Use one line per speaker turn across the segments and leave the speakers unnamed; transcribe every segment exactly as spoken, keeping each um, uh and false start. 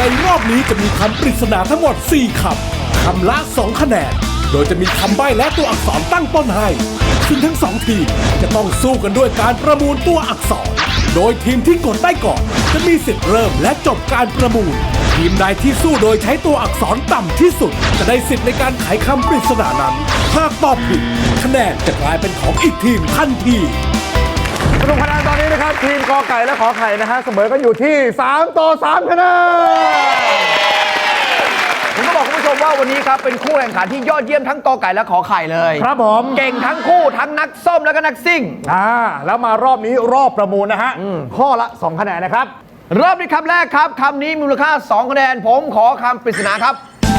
รอบนี้จะมีคำปริศนาทั้งหมดสี่คำคำละสองคะแนนโดยจะมีคำใบ้และตัวอักษรตั้งต้นให้ซึ่งทั้งสองทีมจะต้องสู้กันด้วยการประมูลตัวอักษรโดยทีมที่กดได้ก่อนจะมีสิทธิ์เริ่มและจบการประมูลทีมใดที่สู้โดยใช้ตัวอักษรต่ำที่สุดจะได้สิทธิ์ในการไขคำปริศนานั้นหากตอบผิดคะแนนจะกลายเป็นของอีกทีมทันที
สรุปคะแนนตอนนี้นะครับทีมกอไก่และขอไข่นะฮะเสมอกันอยู่ที่สามต่อสามคะแนน
ผมก็บอกคุณผู้ชมว่าวันนี้ครับเป็นคู่แข่งขันที่ยอดเยี่ยมทั้งกอไก่และขอไข่เลย
ครับผม
เก่งทั้งคู่ทั้งนักส้มและก็นักซิ่ง
อ่าแล้วมารอบนี้รอบประมูลนะฮะข้อละสองคะแนนนะครับ
รอบนี้คำแรกครับคำนี้มูลค่าสองคะแนนผมขอคำปริศนาครับ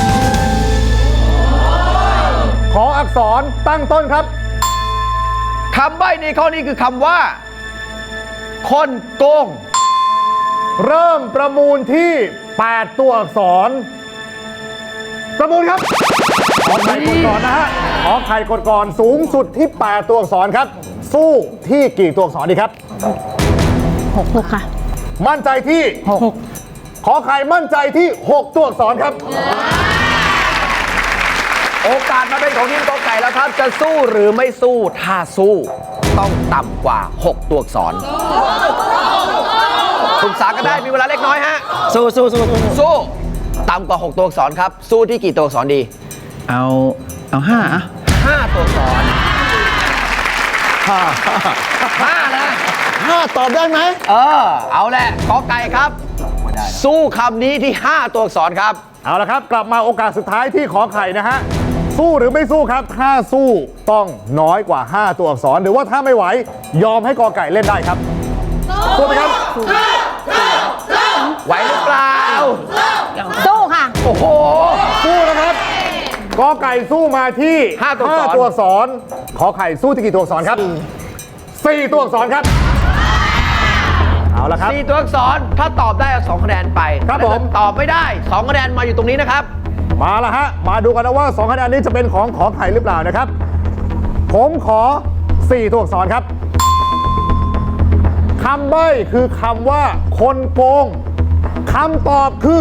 ขออักษรตั้งต้นครับ
คำใบ้ในข้อนี้คือคำว่าคนโกง
เริ่มประมูลที่แปดตัวอักษรประมูลครับขอไข่กดก่อนนะฮะขอไข่กดก่อนสูงสุดที่แปดตัวอักษรครับสู้ที่กี่ตัวอักษรดีครับ
หกหกค่ะ
มั่นใจที่หกขอไข่มั่นใจที่หกตัวอักษรครับ
โอกาสมาเป็นของทีมกอไก่แล้วครับจะสู้หรือไม่สู้ถ้าสู้ต้องต่ำกว่าหกตัวอักษรปรึกษากันได้มีเวลาเล็กน้อยฮะ
สู้สู้สู้
สู้ต่ำกว่าหกตัวอักษรครับสู้ที่กี่ตัวอักษรดี
เอาเอาห้าอะ
ห้าตัวอักษรห้าห้านะ
ห้าตอบได้ไหม
เออเอาแหละกอไก่ครับสู้คำนี้ที่ห้าตัวอักษรครับ
เอาละครับกลับมาโอกาสสุดท้ายที่ขอไข่นะฮะสู้หรือไม่สู้ครับถ้าสู้ต้องน้อยกว่าห้าตัวอักษรหรือว่าถ้าไม่ไหวยอมให้กอไก่เล่นได้ครับสู้ไหมครับ
ไหวหรือเปล่า
สู้ค่ะ
โอ้โห
สู้นะครับกอไก่สู้มาที่
ห้าตัว
อักษรขอไข่สู้ที่กี่ตัวอักษรครับสี่ตัวอักษรครับเอาละครับ
สี่ตัวอักษรถ้าตอบได้สองคะแนนไป
ครับผม
ตอบไม่ได้สองคะแนนมาอยู่ตรงนี้นะครับ
มาละฮะมาดูกันนะว่าสองคะแนนนี้จะเป็นของขอไข่หรือเปล่านะครับผมขอสี่ตัวอักษรครับคำใบ้คือคำว่าคนโกงคำตอบคือ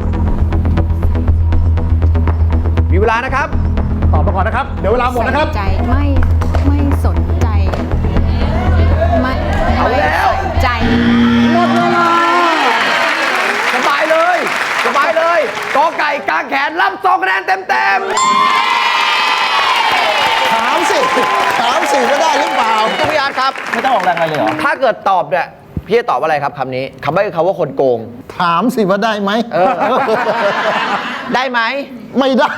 มีเวลานะครับ
ตอบมาก่อนนะครับเดี๋ยวเวลาหมดนะครับ
ใจไม่ไม่สนใจไม่
เอาแล้ว
ใจ
หมดเวลา
สบายเลยสบายเลยกอไก่กางแขนรับสองคะแนนเต็มเต็ม
ถามสิถามสิก็ได้หรือเปล่า
คุณพิยาครับ
ไม่ต้องออกแรงอะไรเลยเหรอ
ถ้าเกิดตอบเนี่ยพี่จะตอบอะไรครับคำนี้คำไม่คือคำว่าคนโกง
ถามสิว่าได้ไหม
ได้ไหม
ไม่ได้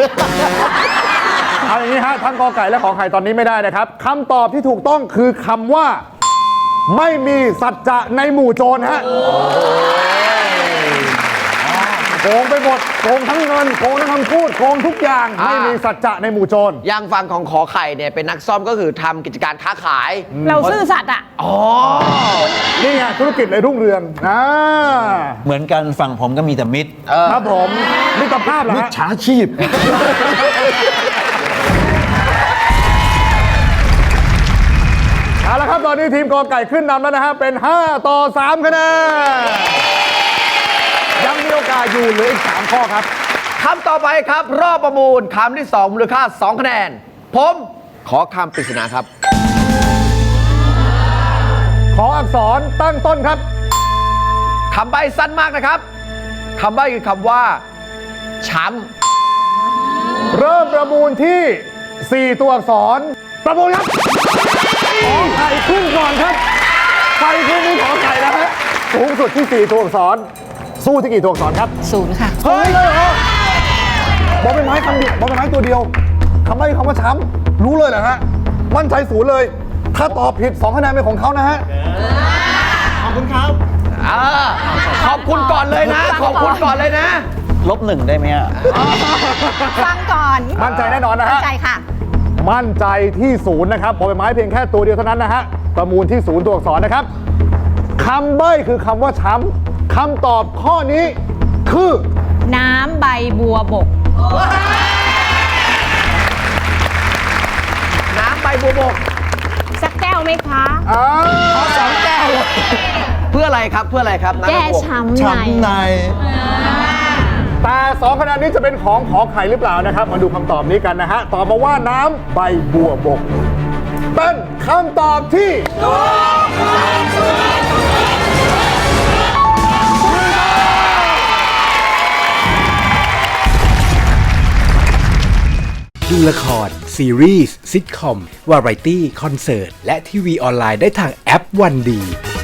เอาอย่างนี้ฮะทั้งกอไก่และขอไข่ตอนนี้ไม่ได้นะครับคำตอบที่ถูกต้องคือคำว่าไม่มีสัจจะในหมู่โจรฮะโกงไปหมดโกงทั้งเงินโกงทั้งคำพูดโกงทุกอย่างไม่มีสัจจะในหมู่โจร
อย่างฝั่งของขอไข่เนี่ยเป็นนักซ่อมก็คือทำกิจการค้าขาย
เราซื่อสัตย์อ่ะ
อ๋อ
นี่ไงธุรกิจเลยรุ่งเรืองอ่า
เหมือนกันฝั่งผมก็มีแต่มิตร
ครับผมมิตรภาพเหรอฮะ
มิจฉาชีพ
เอาละครับตอนนี้ทีมกอไก่ขึ้นนำแล้วนะฮะเป็นห้าต่อสามคะแนนยังมีโอกาสอยู่เหลืออีกสามข้อครับ
คำต่อไปครับรอบประมูลคำที่สองมูลค่าสองคะแนนผมขอคำปริศนาครับ
ขออักษรตั้งต้นครับ
คำใบ้สั้นมากนะครับคำใบ้คือคำว่าช้
ำเริ่มประมูลที่สี่ตัวอักษรประมูลครับขอไข่ขึ้นก่อนครับไข่ขึ้นนี่ขอไข่นะฮะสูงสุดที่สี่ตัวอักษรสู้ที่กี่ตัวอักษรครับ
ศูนย์ค่ะ
เฮ้ยเลยเหรอบอกเป็นไม้คำเดียวบอกเป็นไม้ตัวเดียวคำใบ้คำว่าช้ำรู้เลยเหรอฮะมั่นใจศูนย์เลยถ้าตอบผิดสองคะแนนเป็นของเขานะฮะ
ขอบคุณครับ
ขอบคุณก่อนเลยนะขอบคุณก่อนเลยนะ
ลบหนึ่งได้ไหมอ่ะ
ฟังก่อน
มั่นใจแน่นอนนะฮะ
มั่นใจค่ะ
มั่นใจที่ศูนย์นะครับบอกเป็นไม้เพียงแค่ตัวเดียวเท่านั้นนะฮะประมูลที่ศูนย์ตัวอักษรนะครับคำใบ้คือคำว่าช้ำคำตอบข้อนี้คือ
น้ำใบบัวบก
น้ำใบบัวบก
สักแก้วไหมคะ
อ๋อ
สองแก้วเพื่ออะไรครับเพื่ออะไรครับ
แก้ช้ำใน
ช้ำใน
แต่สองคะแนนนี้จะเป็นของขอไข่หรือเปล่านะครับ มาดูคำตอบนี้กันนะฮะ ตอบมาว่าน้ำใบบัวบก เป็นคำตอบที่
ดูละคร ซีรีส์ซิทคอม วาไรตี้ คอนเสิร์ต และทีวีออนไลน์ได้ทางแอปวันดี